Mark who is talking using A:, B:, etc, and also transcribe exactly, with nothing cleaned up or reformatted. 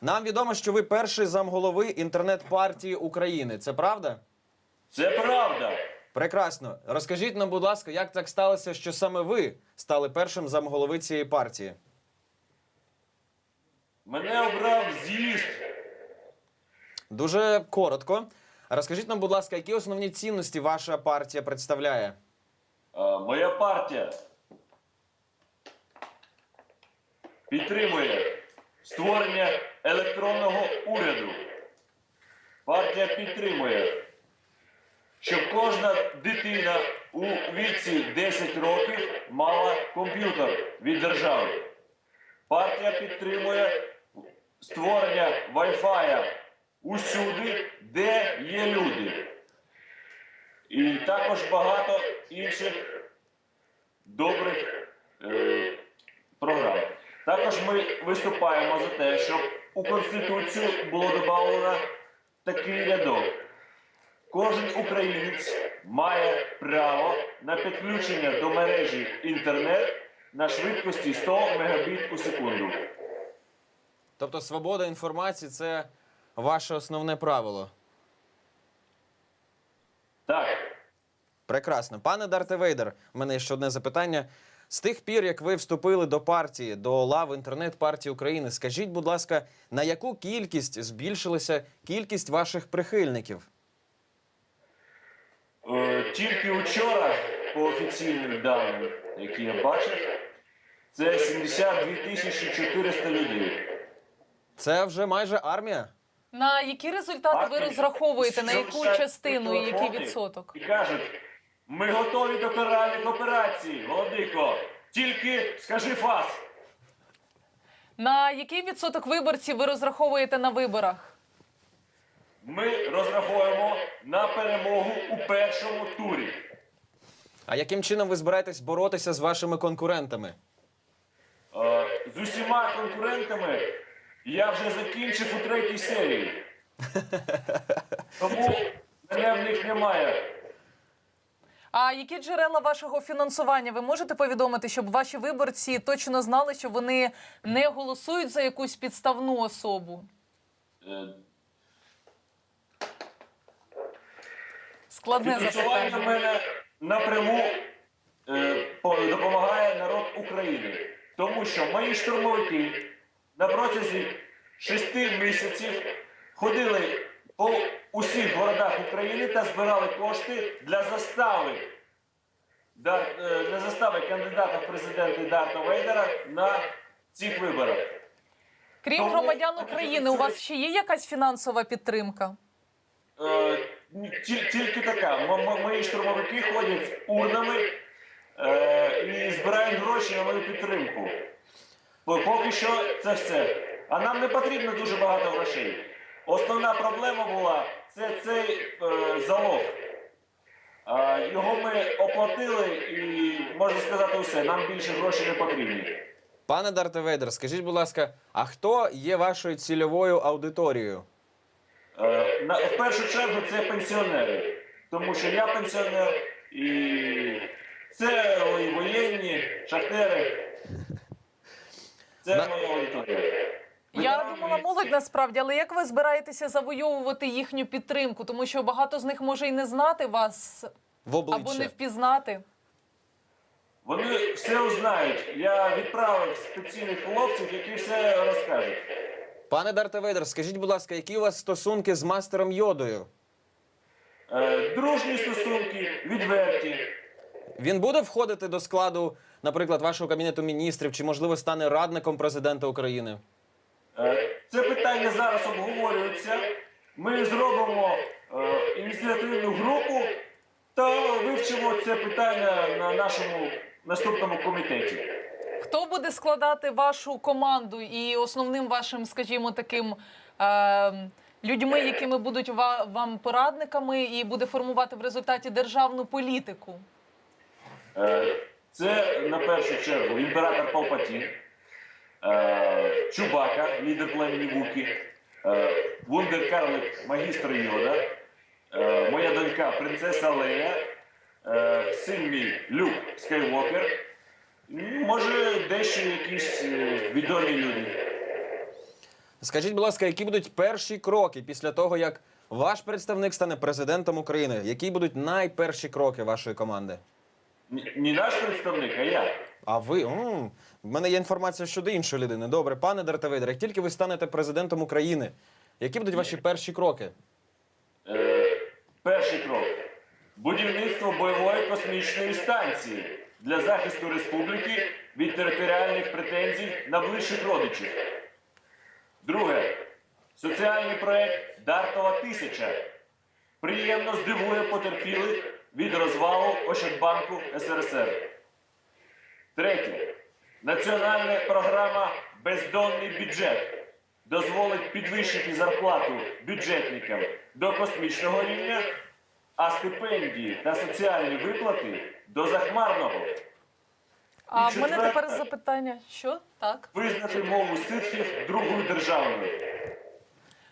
A: Нам відомо, що ви перший замголови інтернет-партії України. Це правда?
B: Це правда.
A: Прекрасно. Розкажіть нам, будь ласка, як так сталося, що саме ви стали першим замголови цієї партії?
B: Мене обрав з'їзд.
A: Дуже коротко. Розкажіть нам, будь ласка, які основні цінності ваша партія представляє?
B: А, моя партія підтримує створення електронного уряду. Партія підтримує, щоб кожна дитина у віці десять років мала комп'ютер від держави. Партія підтримує створення Wi-Fi усюди, де є люди. І також багато інших добрих е, програм. Також ми виступаємо за те, щоб у Конституцію було додано такий рядок. Кожен українець має право на підключення до мережі інтернет на швидкості сто мегабіт у секунду.
A: Тобто свобода інформації – це ваше основне правило?
B: Так.
A: Прекрасно. Пане Дарте Вейдер, у мене є ще одне запитання. З тих пір, як ви вступили до партії, до лав інтернет-партії України, скажіть, будь ласка, на яку кількість збільшилася кількість ваших прихильників?
B: Е, тільки вчора, по офіційним даним, які я бачив, це сімдесят дві тисячі чотириста людей.
A: Це вже майже армія?
C: На які результати ви розраховуєте? На яку частину і який відсоток?
B: І кажуть, ми готові до каральних операцій, Володико, тільки скажи фас.
C: На який відсоток виборців ви розраховуєте на виборах?
B: Ми розраховуємо на перемогу у першому турі.
A: А яким чином ви збираєтесь боротися з вашими конкурентами?
B: Е, з усіма конкурентами я вже закінчив у третій серії. Тому мене в них немає.
C: А які джерела вашого фінансування ви можете повідомити, щоб ваші виборці точно знали, що вони не голосують за якусь підставну особу?
B: Е,
C: Складне
B: Фінансування в
C: запитання.
B: мене напряму е, по- допомагає народ України. Тому що мої штурмовики на протязі шести місяців ходили по усіх городах України та збирали кошти для застави, Дар, е, для застави кандидата в президенти Дарта Вейдера на цих виборах.
C: Крім
B: Тому-
C: громадян України, у вас ще є якась фінансова підтримка?
B: Е, ті- Тільки така. М- м- Мої штурмовики ходять з урнами е, і збирають гроші на мою підтримку. Бо Поки що це все. А нам не потрібно дуже багато грошей. Основна проблема була – це цей е, залог. Е, його ми оплатили і, можна сказати, все. Нам більше грошей не потрібні.
A: Пане Дарте Вейдер, скажіть, будь ласка, а хто є вашою цільовою аудиторією?
B: Е, на, в першу чергу це пенсіонери. Тому що я пенсіонер і це і воєнні, шахтери. Це
A: На-
B: моя аудиторія.
C: Я думала, молодь насправді, але як ви збираєтеся завойовувати їхню підтримку? Тому що багато з них може і не знати вас
A: В обличчя.
C: або не впізнати.
B: Вони все узнають. Я відправив спеційних хлопців, які все розкажуть.
A: Пане Дарте Вейдер, скажіть, будь ласка, які у вас стосунки з мастером Йодою?
B: Е, дружні стосунки, відверті.
A: Він буде входити до складу, наприклад, вашого Кабінету міністрів, чи, можливо, стане радником президента України?
B: Е, це питання зараз обговорюється. Ми зробимо е, ініціативну групу та вивчимо це питання на нашому наступному комітеті.
C: Хто буде складати вашу команду і основним вашим, скажімо, таким е, людьми, якими будуть ва- вам порадниками і буде формувати в результаті державну політику?
B: Е, Це, на першу чергу, імператор Палпатін, е, Чубака, лідер племені Вуки, е, вундеркарлик, магістр Йода, е, моя донька принцеса Лея, е, син мій Люк Скайуокер, може дещо якісь е, відомі люди.
A: Скажіть, будь ласка, які будуть перші кроки після того, як ваш представник стане президентом України? Які будуть найперші кроки вашої команди?
B: Ні, не наш представник, а я.
A: А ви? М, в мене є інформація щодо іншої людини. Добре, пане Дарте Вейдер, як тільки ви станете президентом України, які будуть ваші перші кроки?
B: Е, перший крок. Будівництво бойової космічної станції для захисту республіки від територіальних претензій на ближчих родичів. Друге. Соціальний проект Дартова тисяча приємно здивує потерпілих від розвалу Ощадбанку ес ер ес ер. Третє. Національна програма «Бездонний бюджет» дозволить підвищити зарплату бюджетникам до космічного рівня, а стипендії та соціальні виплати до захмарного.
C: А
B: І
C: в мене
B: четверте.
C: тепер запитання. Що? Так?
B: Визнати мову ситхів другою державною.